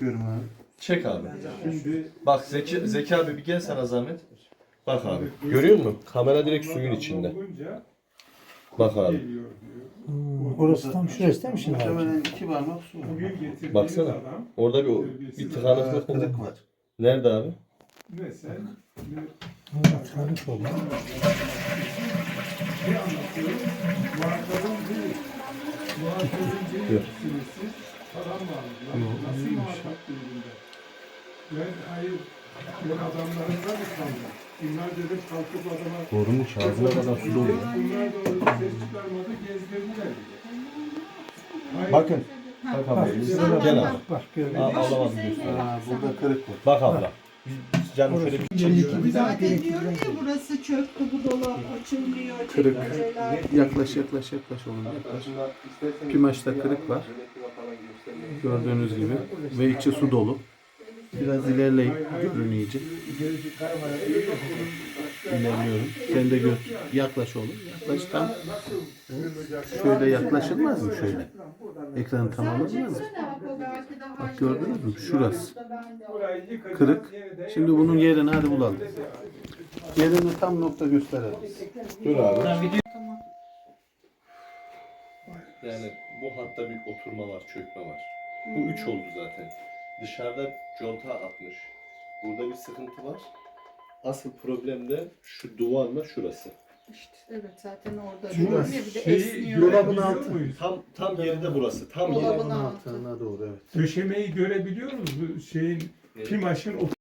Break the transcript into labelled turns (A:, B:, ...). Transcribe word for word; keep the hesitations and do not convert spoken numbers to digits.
A: Çekiyorum abi.
B: Çek abi.
C: Şimdi
B: Bak Zeki, Zeki abi bir gel sana zahmet. Bak abi. Görüyor musun? Kamera direkt suyun içinde.
C: olunca
B: Bak abi.
C: geliyor diyor.
D: Hmm, orası tam şurası değil mi şimdi abi?
A: Muhtemelen iki parmak su var.
C: Bugün getirdiğiniz
B: Baksana.
C: adam
B: Orada bir, bir tıkanıklık
A: Aa,
B: oldu.
A: kırık var.
B: Nerede abi?
C: ne sen ne
D: Evet, harika oldu.
C: ne anlatıyorum? Muhatabın değil. Muhatabın değil.
B: Yok.
C: Süresi falan varmış. Lan nasıl muhatap durumunda? Ben hayır ben adamlarımdan mı kaldım? Bunlar dedim kalkıp adama
A: Doğrumuş ağzına kadar su doluyor.
C: bunlar da orada ses çıkarmadı gezdirdiler bile. Hayır.
B: Bakın. Bak abla. Gel abi.
D: Bak gördün.
B: Aa, alamadım diyorsun.
A: Aa, burada kırık var.
B: Bak abla. Biz canım şöyle bir
D: Bir daha
E: Zaten
D: gerekli.
E: diyorum ya burası çöktü, bu dolap açılmıyor,
F: Kırık.
E: çekmeceler.
F: Yaklaş yaklaş yaklaş oğlum yaklaş. Pimaçta kırık var. Gördüğünüz gibi. Ve içi su dolu. Biraz ilerleyip görün iyice. İlerliyorum. Sen de gör. Yaklaş oğlum. Yaklaş tam. Şöyle yaklaşılmaz mı şöyle? Ekranı tam alınmaz mı? Bak gördünüz mü? Şurası. Kırık. Şimdi bunun yerini hadi bulalım. Yerini tam nokta gösterelim.
B: dur abi. Yani bu hatta bir oturma var, çökme var. Bu üç oldu zaten. Dışarıda conta atmış. Burada bir sıkıntı var. Asıl problem de şu duvarla şurası.
E: İşte evet zaten orada
D: Şurası.
E: diyorum ya bir de
C: Şeyi
E: esniyor.
D: Dolabın
C: görebiliyor
D: altı.
C: muyuz?
B: Tam tam yerinde burası. Tam
E: Dolabın
B: yerinde.
E: altı.
F: Altına doğru evet.
C: Döşemeyi görebiliyor musunuz? Bu şeyin, pimaşın